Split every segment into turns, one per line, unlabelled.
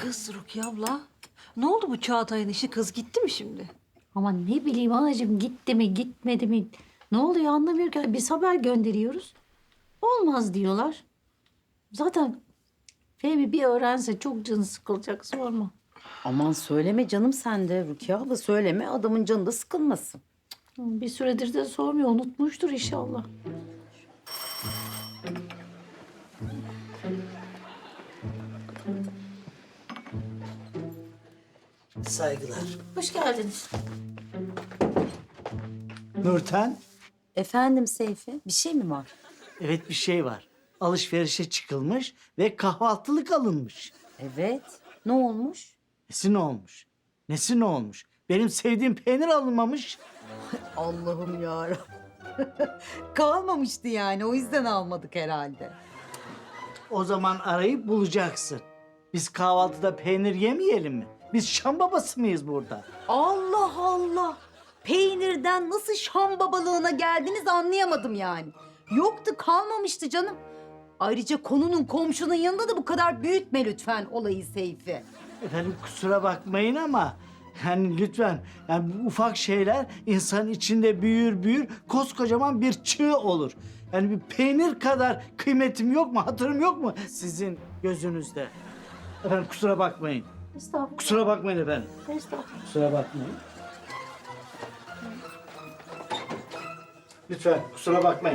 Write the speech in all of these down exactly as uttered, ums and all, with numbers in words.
Kız Rukiye abla, ne oldu bu Çağatay'ın işi? Kız gitti mi şimdi?
Ama ne bileyim anacığım, gitti mi gitmedi mi? Ne oluyor anlamıyor ki. Biz haber gönderiyoruz. Olmaz diyorlar. Zaten Fehmi bir öğrense çok canı sıkılacak, sorma.
Aman söyleme canım sen de Rukiye abla, söyleme, adamın canı da sıkılmasın.
Bir süredir de sormuyor, unutmuştur inşallah.
Saygılar.
Hoş geldiniz.
Nurten,
Efendim Seyfi, bir şey mi var?
evet bir şey var. Alışverişe çıkılmış ve kahvaltılık alınmış.
Evet. Ne olmuş?
Nesi ne olmuş? Nesi ne olmuş? Benim sevdiğim peynir alınmamış.
Allah'ım yarabbim. Kalmamıştı yani, o yüzden almadık herhalde.
O zaman arayıp bulacaksın. Biz kahvaltıda peynir yemeyelim mi? Biz Şam babası mıyız burada?
Allah Allah. Peynirden nasıl Şam babalığına geldiniz anlayamadım yani. Yoktu, kalmamıştı canım. Ayrıca konunun komşunun yanında da bu kadar büyütme lütfen olayı Seyfi.
Efendim kusura bakmayın ama yani lütfen yani bu ufak şeyler insan içinde büyür büyür koskocaman bir çığ olur. Yani bir peynir kadar kıymetim yok mu, hatırım yok mu sizin gözünüzde? Efendim kusura bakmayın.
Estağfurullah.
Kusura bakmayın efendim.
Estağfurullah.
Kusura bakmayın. Lütfen kusura bakmayın.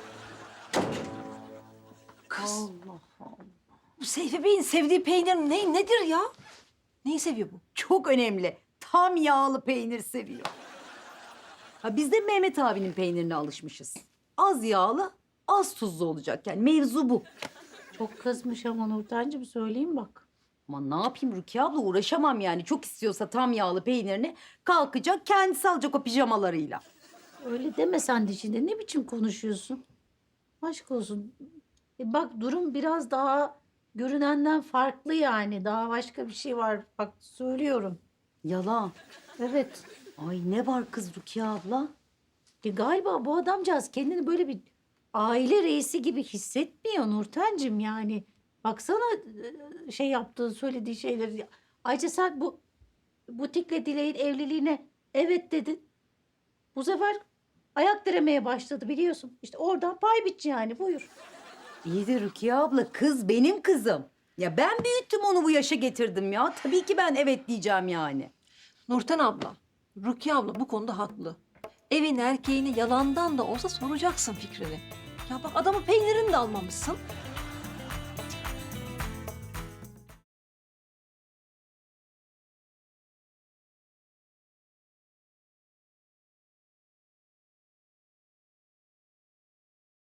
Kız. Bu Seyfi Bey'in sevdiği peynir ne, nedir ya? Neyi seviyor bu?
Çok önemli. Tam yağlı peynir seviyor. Ha, biz de Mehmet abinin peynirine alışmışız. Az yağlı, az tuzlu olacak. Yani mevzu bu.
Çok kızmış ama Nurten'cim, söyleyeyim bak.
Ama ne yapayım Rukiye abla, uğraşamam yani. Çok istiyorsa tam yağlı peynirini kalkacak, kendisi alacak o pijamalarıyla.
Öyle deme sen de şimdi. Ne biçim konuşuyorsun? Aşk olsun. E bak, durum biraz daha görünenden farklı yani. Daha başka bir şey var. Bak söylüyorum.
Yalan.
Evet.
Ay ne var kız Rukiye abla?
E galiba bu adamcağız kendini böyle bir aile reisi gibi hissetmiyor Nurten'cim yani. Baksana e, şey yaptığı, söylediği şeyleri. Ayrıca sen bu butikle Dilek'in evliliğine evet dedin. Bu sefer ayak diremeye başladı biliyorsun. İşte oradan pay biç yani, buyur.
İyi de Rukiye abla, kız benim kızım. Ya ben büyüttüm onu, bu yaşa getirdim ya. Tabii ki ben evet diyeceğim yani.
Nurten abla, Rukiye abla bu konuda haklı. Evin erkeğini yalandan da olsa soracaksın fikrini. Ya bak adamın peynirini de almamışsın.